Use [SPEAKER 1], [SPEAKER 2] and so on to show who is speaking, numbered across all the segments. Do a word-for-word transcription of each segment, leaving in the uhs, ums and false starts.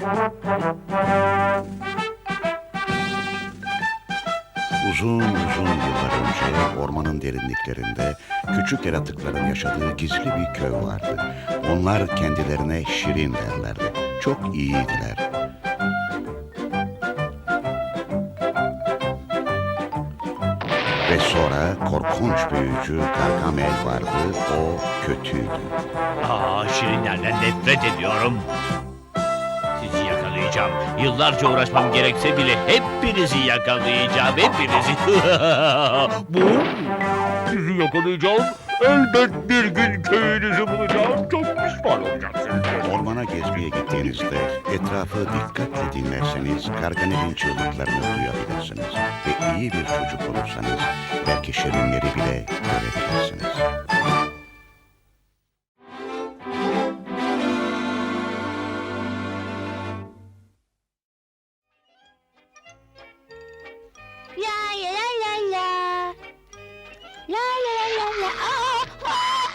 [SPEAKER 1] Uzun uzun yıllar önce ormanın derinliklerinde küçük yaratıkların yaşadığı gizli bir köy vardı. Onlar kendilerine şirin derlerdi. Çok iyiydiler. Ve sonra korkunç büyücü Gargamel vardı. O kötüydü.
[SPEAKER 2] Aa, şirinlerden nefret ediyorum. Sizi yakalayacağım. Yıllarca uğraşmam gerekse bile hepinizi yakalayacağım. Hepinizi. Bu. Sizi yakalayacağım. Elbet bir gün köyünüzü bulacağım. Çok pişman olacaksınız.
[SPEAKER 1] Ormana gezmeye gittiğinizde etrafı dikkatle dinlerseniz Gargamel'in çığlıklarını duyabilirsiniz. Ve iyi bir çocuk olursanız belki şirinleri bile görebilirsiniz.
[SPEAKER 3] La la la la la. La la la la la. Aa, aa.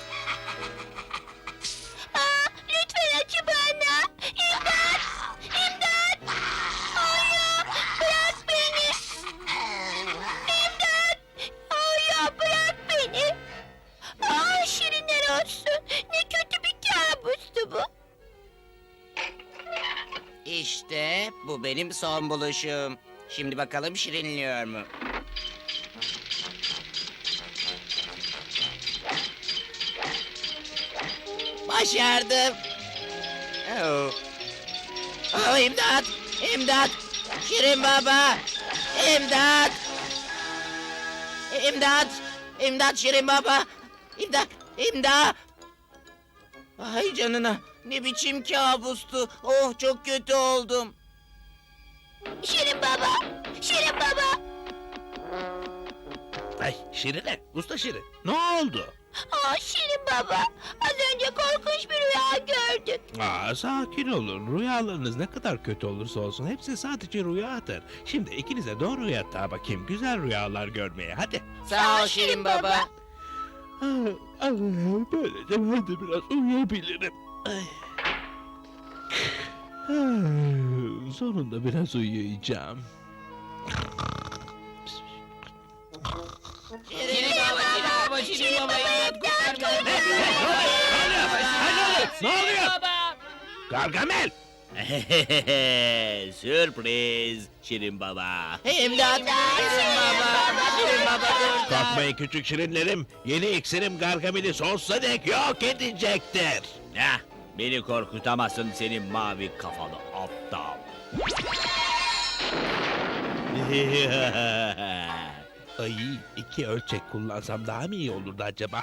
[SPEAKER 3] Aa, lütfen acı bana. İmdat! İmdat! Hayır! Bırak beni! İmdat! Hayır! Bırak beni! Aa, şirinler olsun. Ne kötü bir kabustu bu.
[SPEAKER 4] İşte bu benim son buluşum. Şimdi bakalım şirinliyor mu? Başardım. Oh. Oh, imdat! İmdat! Şirin baba! İmdat! İmdat! İmdat Şirin baba! İmdat! İmdat! Ay canına! Ne biçim kabustu! Oh, çok kötü oldum.
[SPEAKER 3] Şirin baba! Şirin baba!
[SPEAKER 2] Ay Şirine, usta Şirin. Ne oldu?
[SPEAKER 3] Aa, Şirin baba! Az önce korkunç bir rüya gördük.
[SPEAKER 5] Aa, sakin olun. Rüyalarınız ne kadar kötü olursa olsun hepsi sadece rüyadır. Şimdi ikinize doğru yatağa bakayım. Güzel rüyalar görmeye. Hadi.
[SPEAKER 4] Sağ ol Şirin baba.
[SPEAKER 5] Ah, ah, böylece ben de biraz uyuyabilirim. Ay. Ah, sonunda biraz uyuyacağım.
[SPEAKER 4] Şirin baba, Şirin baba, Şirin baba, imdat kurtar beni.
[SPEAKER 5] Ne oluyor? Gargamel!
[SPEAKER 2] Sürpriz Şirin baba.
[SPEAKER 4] İmdat, Şirin baba, Şirin baba kurtar.
[SPEAKER 5] Korkmayın küçük şirinlerim. Yeni iksirim Gargamel'i sonsuza dek yok edecektir.
[SPEAKER 2] Heh, beni korkutamazsın senin mavi kafalı aptal.
[SPEAKER 5] Ay, iki ölçek kullansam daha mı iyi olurdu acaba?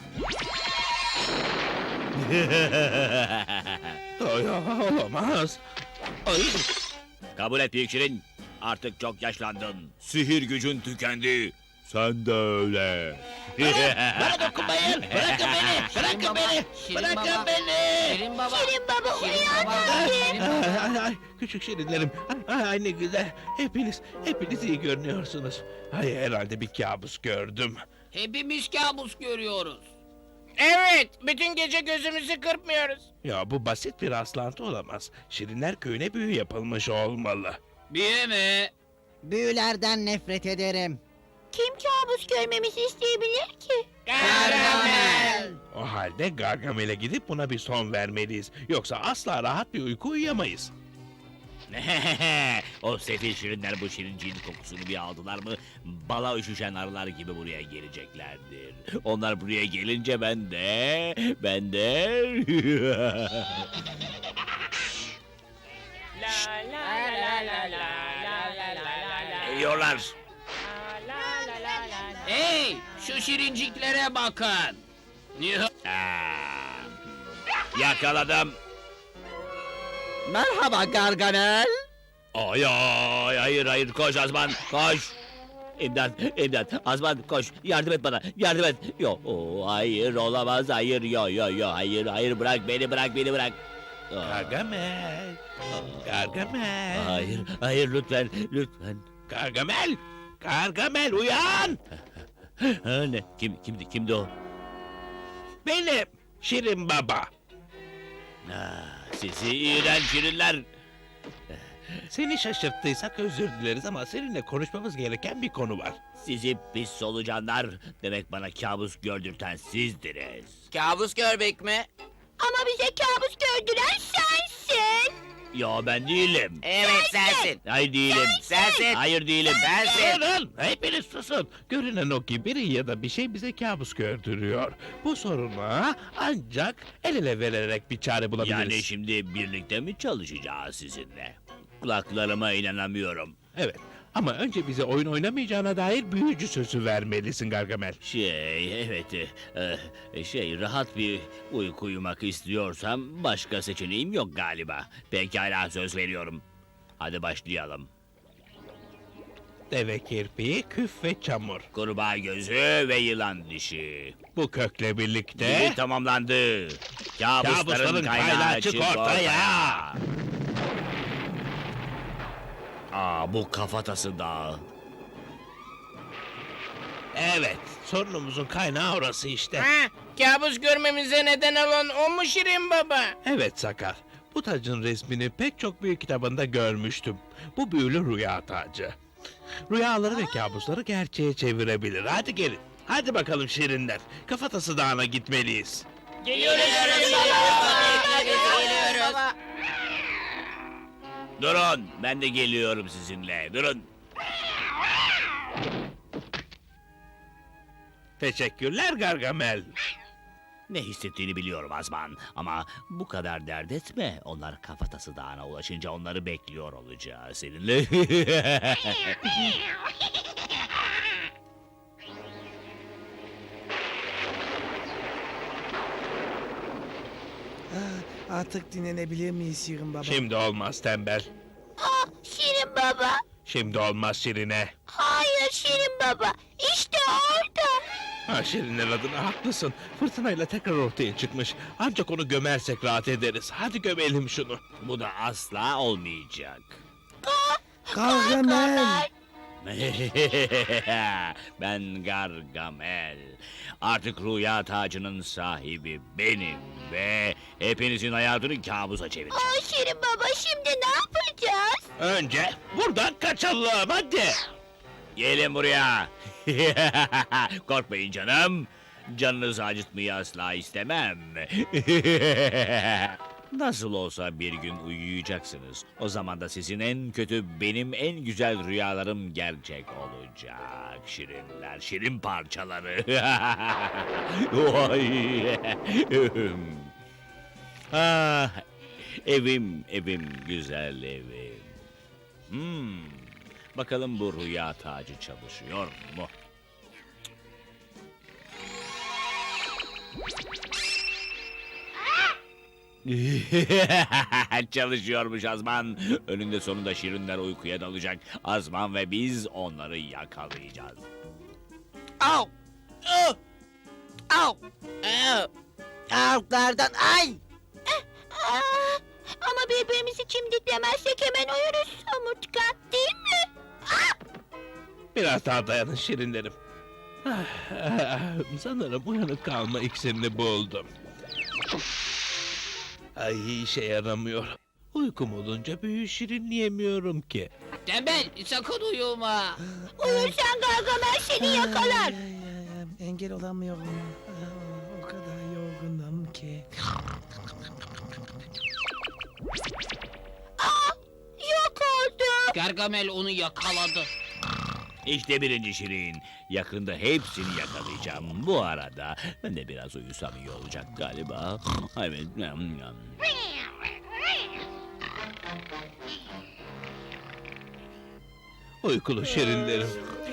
[SPEAKER 5] Ay, olamaz. Ay,
[SPEAKER 2] Kabul et büyük Şirin. Artık çok yaşlandın. Sihir gücün tükendi. Sen de öyle.
[SPEAKER 4] Bana dokunmayın, bırakın beni, bırakın beni, bırakın beni. Şirin baba,
[SPEAKER 3] Şirin baba uyan
[SPEAKER 5] ay, ay, ay, küçük şirinlerim. Ay, ay, ne güzel. Hepiniz, hepiniz iyi görünüyorsunuz. Ay, herhalde bir kabus gördüm.
[SPEAKER 4] Hepimiz kabus görüyoruz. Evet, bütün gece gözümüzü kırpmıyoruz.
[SPEAKER 5] Ya bu basit bir rastlantı olamaz. Şirinler köyüne büyü yapılmış olmalı.
[SPEAKER 4] Büyü mü?
[SPEAKER 6] Büyülerden nefret ederim.
[SPEAKER 3] Kim kabus görmemizi isteyebilir ki?
[SPEAKER 4] Gargamel.
[SPEAKER 5] O halde Gargamel'e gidip buna bir son vermeliyiz. Yoksa asla rahat bir uyku uyuyamayız.
[SPEAKER 2] O sefil şirinler bu şirinciğin kokusunu bir aldılar mı bala üşüşen arılar gibi buraya geleceklerdir. Onlar buraya gelince ben de ben de geliyorlar.
[SPEAKER 4] Hey, şu şirinciklere bakın.
[SPEAKER 2] Aa, yakaladım.
[SPEAKER 6] Merhaba Gargamel.
[SPEAKER 2] Ay ay hayır hayır koş Azman koş. İmdat imdat Azman koş yardım et bana yardım et. Yo o, hayır olamaz hayır yo yo yo hayır hayır bırak beni bırak beni bırak. Aa,
[SPEAKER 5] Gargamel. Gargamel.
[SPEAKER 2] hayır hayır lütfen lütfen.
[SPEAKER 5] Gargamel. Gargamel uyan.
[SPEAKER 2] Ha, ne kim kimdi kimdi o?
[SPEAKER 5] Benim Şirin Baba.
[SPEAKER 2] Ah, sizi iğrenç şirinler.
[SPEAKER 5] Seni şaşırttıysak özür dileriz ama seninle konuşmamız gereken bir konu var.
[SPEAKER 2] Sizi pis solucanlar. Demek bana kabus gördürten sizdiniz.
[SPEAKER 4] Kabus görmek mi?
[SPEAKER 3] Ama bize kabus gördüren sensin.
[SPEAKER 2] Yo ben değilim.
[SPEAKER 4] Evet sensin.
[SPEAKER 2] Hayır değilim.
[SPEAKER 4] Sensin.
[SPEAKER 2] Hayır değilim.
[SPEAKER 4] Sensin.
[SPEAKER 5] Durun! Hepiniz susun! Görünen o ki biri ya da bir şey bize kabus gördürüyor. Bu soruna ancak el ele vererek bir çare bulabiliriz.
[SPEAKER 2] Yani şimdi birlikte mi çalışacağız sizinle? Kulaklarıma inanamıyorum.
[SPEAKER 5] Evet ama önce bize oyun oynamayacağına dair büyücü sözü vermelisin Gargamel.
[SPEAKER 2] Şey evet e, e, şey rahat bir uyku uyumak istiyorsam başka seçeneğim yok galiba. Pekala söz veriyorum. Hadi başlayalım.
[SPEAKER 5] Deve kirpiği, küf ve çamur.
[SPEAKER 2] Kurbağa gözü ve yılan dişi.
[SPEAKER 5] Bu kökle birlikte...
[SPEAKER 2] Dizi tamamlandı. Kabusların,
[SPEAKER 5] Kabusların
[SPEAKER 2] kaynağı,
[SPEAKER 5] kaynağı
[SPEAKER 2] çık
[SPEAKER 5] çık
[SPEAKER 2] ortaya.
[SPEAKER 5] ortaya.
[SPEAKER 2] Aa bu kafatası dağı.
[SPEAKER 5] Evet, sorunumuzun kaynağı orası işte.
[SPEAKER 4] Ha, kabus görmemize neden olan o mu Şirin Baba?
[SPEAKER 5] Evet Sakar, bu tacın resmini pek çok büyük kitabında görmüştüm. Bu büyülü rüya tacı. Rüyaları ve kabusları gerçeğe çevirebilir. Hadi gelin. Hadi bakalım şirinler. Kafatası Dağı'na gitmeliyiz.
[SPEAKER 4] Geliyoruz Şirin Baba. Geliyoruz.
[SPEAKER 2] Durun ben de geliyorum sizinle. Durun.
[SPEAKER 5] Teşekkürler Gargamel.
[SPEAKER 2] Ne hissettiğini biliyorum Azman. Ama bu kadar dert etme. Onlar kafatası dağına ulaşınca onları bekliyor olacağız seninle.
[SPEAKER 7] Ah, artık dinlenebilir miyiz Şirin Baba?
[SPEAKER 5] Şimdi olmaz tembel.
[SPEAKER 3] Aa, Şirin Baba.
[SPEAKER 5] Şimdi olmaz Şirine.
[SPEAKER 3] Hayır Şirin Baba. İşte orada.
[SPEAKER 5] Ha Şirinler adına haklısın. Fırtınayla tekrar ortaya çıkmış. Ancak onu gömersek rahat ederiz. Hadi gömelim şunu.
[SPEAKER 2] Bu da asla olmayacak.
[SPEAKER 7] Gargamel!
[SPEAKER 2] Ben Gargamel. Artık rüya tacının sahibi benim ve hepinizin hayatını kabusa çevireceğim.
[SPEAKER 3] Aa, Şirin Baba şimdi ne yapacağız?
[SPEAKER 5] Önce buradan kaçalım hadi.
[SPEAKER 2] Gelin buraya. Korkmayın canım. Canınızı acıtmayı asla istemem. Nasıl olsa bir gün uyuyacaksınız. O zaman da sizin en kötü, benim en güzel rüyalarım gerçek olacak. Şirinler, şirin parçaları. Vay. ah, evim, evim, güzel evim. Hmm, bakalım bu rüya tacı çalışıyor mu? Çalışıyormuş Azman. Önünde sonunda şirinler uykuya dalacak. Azman ve biz onları yakalayacağız.
[SPEAKER 4] Au! Au! Au! Au!
[SPEAKER 6] Avuklardan ay!
[SPEAKER 3] Aa, ama birbirimizi çimdiklemezsek hemen uyuruz somurtkan değil mi?
[SPEAKER 5] Biraz daha dayanın şirinlerim. Ah, ah, Sanırım uyanık kalma iksirini buldum. Ay işe yaramıyor. Uykum olunca büyü şirinleyemiyorum ki.
[SPEAKER 4] Tembel sakın uyuma.
[SPEAKER 3] Uyursan Gargamel seni yakalar.
[SPEAKER 7] Ay, ay, ay, engel olamıyorum. Aa, o kadar yorgunum ki.
[SPEAKER 3] Aa, yok oldu.
[SPEAKER 4] Gargamel onu yakaladı.
[SPEAKER 2] İşte birinci şirin. Yakında hepsini yakalayacağım. Bu arada ben de biraz uyusam iyi olacak galiba. Evet.
[SPEAKER 5] Uykulu şirinlerim.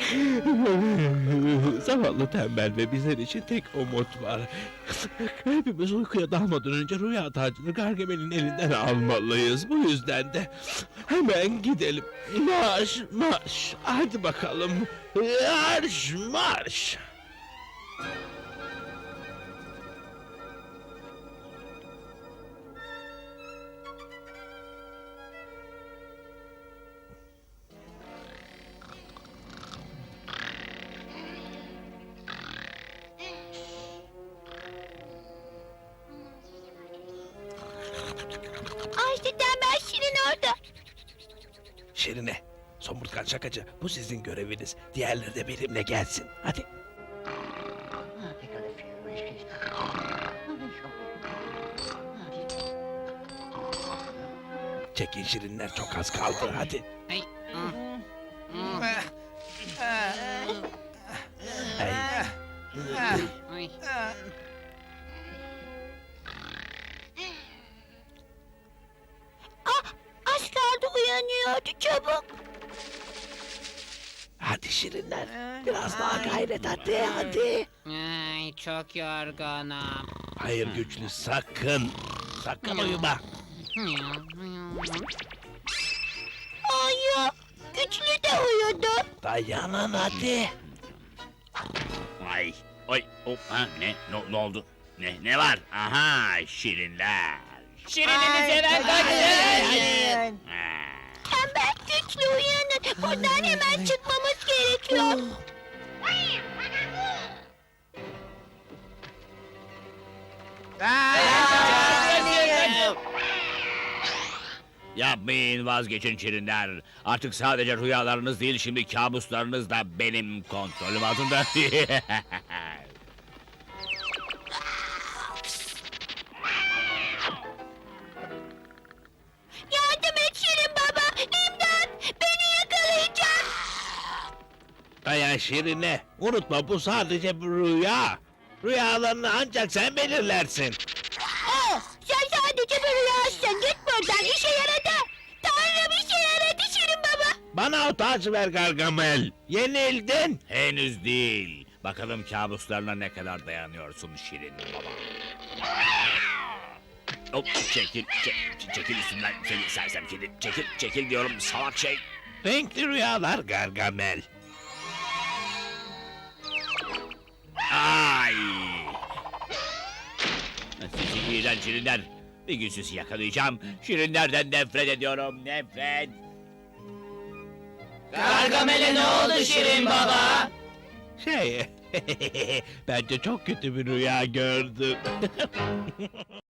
[SPEAKER 5] Zavallı tembel ve bizler için tek umut var. Hepimiz uykuya dalmadan önce rüya tacını Gargamel'in elinden almalıyız. Bu yüzden de hemen gidelim. Marş marş. Hadi bakalım. Marş marş.
[SPEAKER 3] Aa, işte tembel Şirin orada.
[SPEAKER 5] Şirine. Somurtkan şakacı, bu sizin göreviniz. Diğerleri de benimle gelsin. Hadi. Çekin şirinler, çok az kaldı. Hadi.
[SPEAKER 6] Ay.
[SPEAKER 5] Ay.
[SPEAKER 6] Ay.
[SPEAKER 3] Ah, az kaldı uyanıyordu çabuk.
[SPEAKER 5] Hadi şirinler. Biraz daha gayret, hadi hadi.
[SPEAKER 6] Ay, çok yorgunum.
[SPEAKER 5] Hayır güçlü, sakın. Sakın uyuma.
[SPEAKER 3] Hayır, güçlü de uyudu.
[SPEAKER 5] Dayanın hadi.
[SPEAKER 2] Ay, ay, hop, ha, ne, ne, ne oldu? Ne, ne var? Aha, şirinler.
[SPEAKER 4] Şirininiz hemen kaçın.
[SPEAKER 2] Ha.
[SPEAKER 3] Tembel güçlü uyanın. Buradan hemen çıkmamız gerekiyor.
[SPEAKER 2] Yapmayın, vazgeçin şirinler. Artık sadece rüyalarınız değil, şimdi kabuslarınız da benim kontrolüm altında.
[SPEAKER 3] Yardım et Şirin Baba. İmdat, beni yakalayacak.
[SPEAKER 5] Dayan şirine. Unutma, bu sadece bir rüya. Rüyalarını ancak sen belirlersin.
[SPEAKER 3] Oh, sen sadece bir rüyasın. Git buradan, işe yaradı. Tanrım işe yaradı Şirin Baba.
[SPEAKER 5] Bana o tacı ver Gargamel. Yenildin.
[SPEAKER 2] Henüz değil. Bakalım kabuslarına ne kadar dayanıyorsun şirin baba. Hop, çekil, çek- çekil üstümden seni sersem kedi. Çekil, çekil diyorum salak şey.
[SPEAKER 5] Renkli rüyalar Gargamel.
[SPEAKER 2] Ay! Sizi iğrenç şirinler. Bir gün sizi yakalayacağım. Şirinlerden nefret ediyorum, nefret.
[SPEAKER 4] Gargamel'e ne oldu Şirin Baba?
[SPEAKER 5] Şey, bence çok kötü bir rüya gördüm.